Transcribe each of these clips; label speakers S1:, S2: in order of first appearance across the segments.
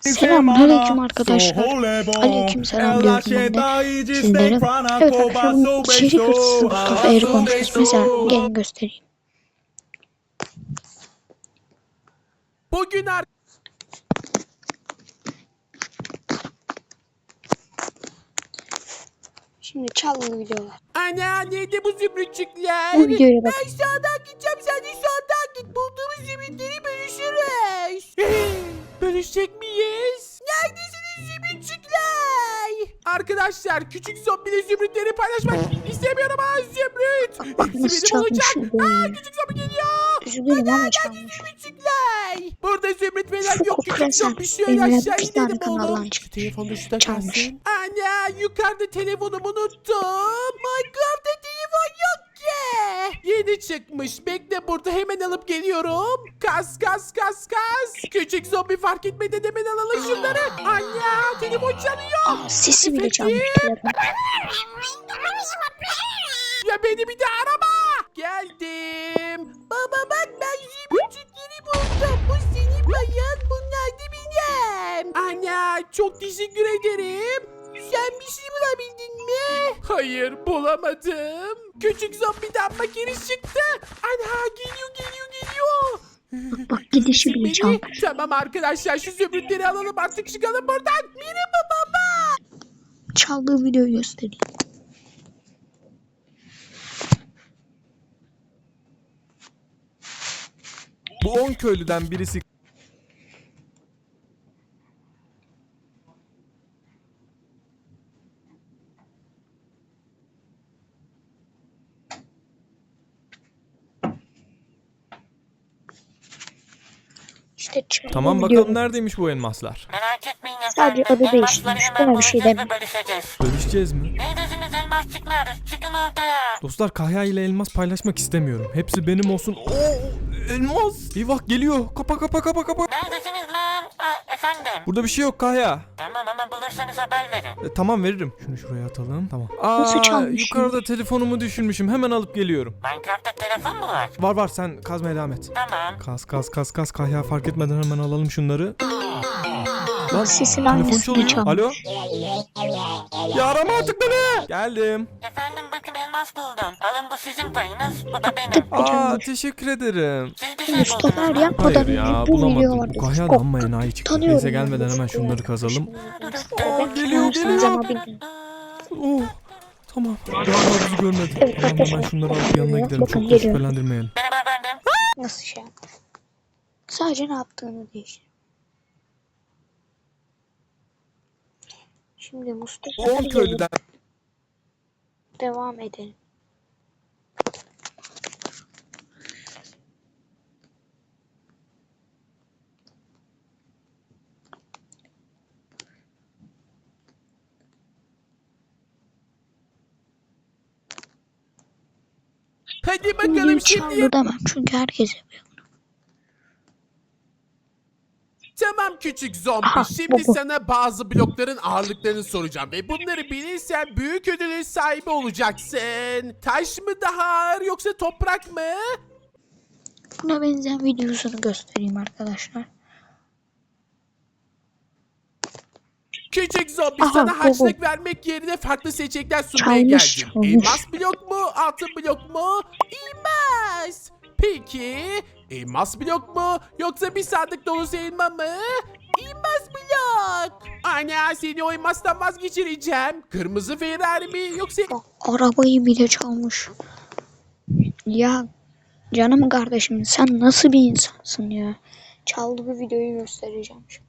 S1: Selamünaleyküm arkadaşlar. Aleykümselam diyorum ben de sizlere. Evet arkadaşlar bugün içerik hırsızı Mustafa Eğri konuşuyoruz. Mesela gelin göstereyim.
S2: Bugün
S1: Şimdi çalgılı videolar.
S2: Ana nerede bu zümrütçükler?
S1: Bu videoya bakın.
S2: Ben sağdan gideceğim, sen de soldan git. Bulduğumuz zümrütleri bölüşürüz. Bölüşecek miyiz? Neredesiniz zümrütçükler? Arkadaşlar küçük zombili zümrütleri paylaşmak istemiyorum ha zümrüt.
S1: Bak nasıl
S2: Hepsi benim olacak.
S1: çalmış videoyu.
S2: Küçük zombi geliyor.
S1: Üzülürüm ama çalmış.
S2: Zümrütçükler. Burada zümrüt falan
S1: Şu
S2: yok. Küçük
S1: kokuresen
S2: zombi şöyle
S1: evine
S2: aşağı
S1: bir tane
S2: inelim
S1: kanaldan
S2: oğlum. Şu
S1: çıkmış.
S2: telefonu şurada
S1: Çalmış.
S2: kalsın. Ana yukarıda telefonumu unuttum. Minecraft'ta telefon yok ki. Yeni çıkmış. Bekle burada hemen alıp geliyorum. Kas. Küçük zombi fark etmeden hemen alalım şunları. Ana telefon çalıyor.
S1: Sesi bile çalmış telefon.
S2: Ya beni bir de arama. Geldim. Baba bak ben zümrütçükleri buldum. Bu senin bayan, bunlar da benim. Ana çok teşekkür ederim. Sen bir şey bulabildin mi? Hayır bulamadım. Küçük zombiden makinesi çıktı. Ana geliyor.
S1: Bak gidişi bile
S2: Beni.
S1: çalmış.
S2: Tamam arkadaşlar şu zümrütleri alalım artık çıkalım buradan. Merhaba baba.
S1: Çaldığı videoyu göstereyim.
S3: Bu 10 köylüden birisi
S1: İşte çaldığı
S3: Tamam
S1: videoyu.
S3: bakalım neredeymiş bu elmaslar?
S4: Merak etmeyin
S1: Sadece
S4: efendim.
S1: adı değiştirmiş.
S4: Elmasları
S1: Buna bir şey
S4: hemen
S1: demiyorum.
S4: bölüşeceğiz.
S3: Bölüşeceğiz mi?
S4: Neredesiniz elmasçıklar? Çıkın ortaya.
S3: Dostlar Kahya ile elmas paylaşmak istemiyorum. Hepsi benim olsun. Oo, elmas. Eyvah geliyor. Kapa.
S4: Neredesiniz lan? Efendim.
S3: Burada bir şey yok Kahya.
S4: Tamam ama bulursanız haber verin.
S3: Tamam veririm. Şunu şuraya atalım. Tamam.
S1: Nasıl çalmış
S3: Yukarıda telefonumu düşürmüşüm. Hemen alıp geliyorum.
S4: Minecraft'ta telefon mu var?
S3: Var sen kazmaya devam et.
S4: Tamam.
S3: Kas. Kahya fark etmeden hemen alalım şunları. Lan
S1: Sesin
S3: telefon
S1: aynısını
S3: çalıyor.
S1: çalmış.
S3: Alo. Ya arama artık beni. Geldim.
S4: Efendim bakın elmas buldum. Alın bu sizin payınız. Bu da benim.
S3: Teşekkür ederim.
S4: Siz bir şey
S1: Mustafa
S4: buldunuz.
S1: Er yapmadan
S3: Hayır
S1: önce
S3: ya
S1: bu video
S3: bulamadım.
S1: vardı.
S3: Bu Kahya da amma enayi çıktı.
S1: Tanıyorum
S3: Neyse
S1: yani
S3: gelmeden hemen
S1: Mustafa
S3: şunları
S1: Er.
S3: kazalım.
S1: Geliyor.
S3: Oh, tamam. Galiba bizi görmedi.
S1: Evet,
S3: Tamam hemen
S1: arkadaşlar.
S3: şunları alıp yanına gidelim.
S1: Bakın,
S3: Çok da
S1: geliyor.
S3: şüphelendirmeyelim.
S4: Merhaba efendim.
S1: Nasıl şey yapmış? Sadece ne yaptığını değiştir. Şimdi Mustafa
S3: 10
S1: Er'e
S3: köylüden
S1: devam edelim.
S2: Hadi
S1: Bu
S2: bakalım
S1: videoyu
S2: şimdi.
S1: çaldı demem çünkü herkes yapıyor.
S2: Tamam küçük zombi.
S1: Aha,
S2: Şimdi
S1: bu.
S2: sana bazı blokların ağırlıklarını soracağım. Ve bunları bilirsen büyük ödülün sahibi olacaksın. Taş mı daha ağır yoksa toprak mı?
S1: Buna benzeyen videosunu göstereyim arkadaşlar.
S2: Küçük zombi
S1: Aha,
S2: sana
S1: bu.
S2: harçlık vermek yerine farklı seçenekler sunmaya
S1: Çalmış,
S2: geldim.
S1: çalmış.
S2: Elmas blok mu? Altın blok mu? Elmas. Peki elmas blok mu? Yoksa bir sandık dolusu elma mı? Elmas blok. Ana seni o elmastan vazgeçireceğim. Kırmızı Ferrari mi yoksa...
S1: Bak, arabayı bile çalmış. Ya canım kardeşim sen nasıl bir insansın ya? Çaldığı videoyu göstereceğim şimdi.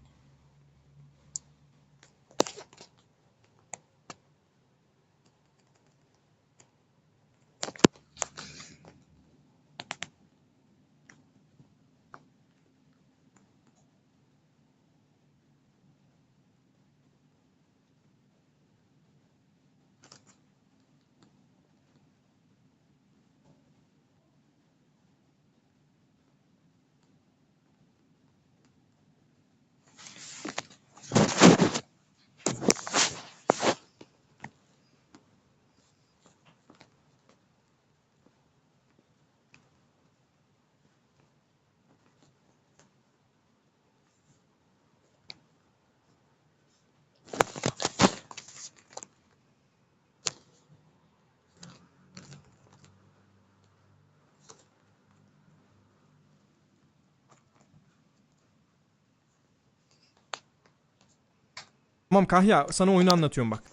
S3: Tamam Kahya, sana oyunu anlatıyorum bak.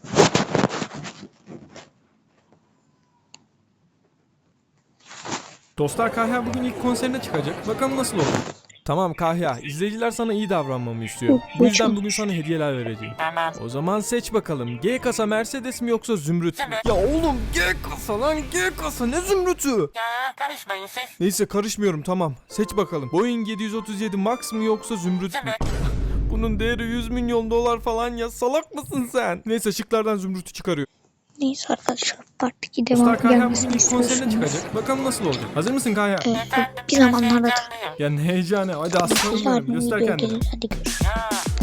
S3: Dostlar, Kahya bugün ilk konserine çıkacak. Bakalım nasıl olur. Tamam Kahya, izleyiciler sana iyi davranmamı istiyor. Bu yüzden bugün sana hediyeler vereceğim.
S4: Tamam.
S3: O zaman seç bakalım. G kasa Mercedes mi yoksa Zümrüt mü? Ya oğlum, G kasa lan, G kasa, ne Zümrüt'ü?
S4: Ya karışmayın siz.
S3: Neyse, karışmıyorum, tamam. Seç bakalım. Boeing 737 Max mı yoksa Zümrüt mü?
S4: Zümrüt.
S3: Bunun değeri 100 milyon dolar falan ya, salak mısın sen? Neyse, şıklardan Zümrüt'ü çıkarıyor.
S1: Neyse arkadaşlar, part 2
S3: Dostlar,
S1: devam
S3: Kahya bugün
S1: gelmesini
S3: ilk konserine
S1: istiyorsunuz.
S3: çıkacak. Bakalım nasıl olacak. Hazır mısın Kahya?
S1: Bir zamanlarda
S3: Ya ne heyecanı. Hadi aslanım
S1: güzel
S3: benim.
S1: bir
S3: Göster
S1: video
S3: kendini.
S1: gelir. Hadi görüşürüz.
S4: Ya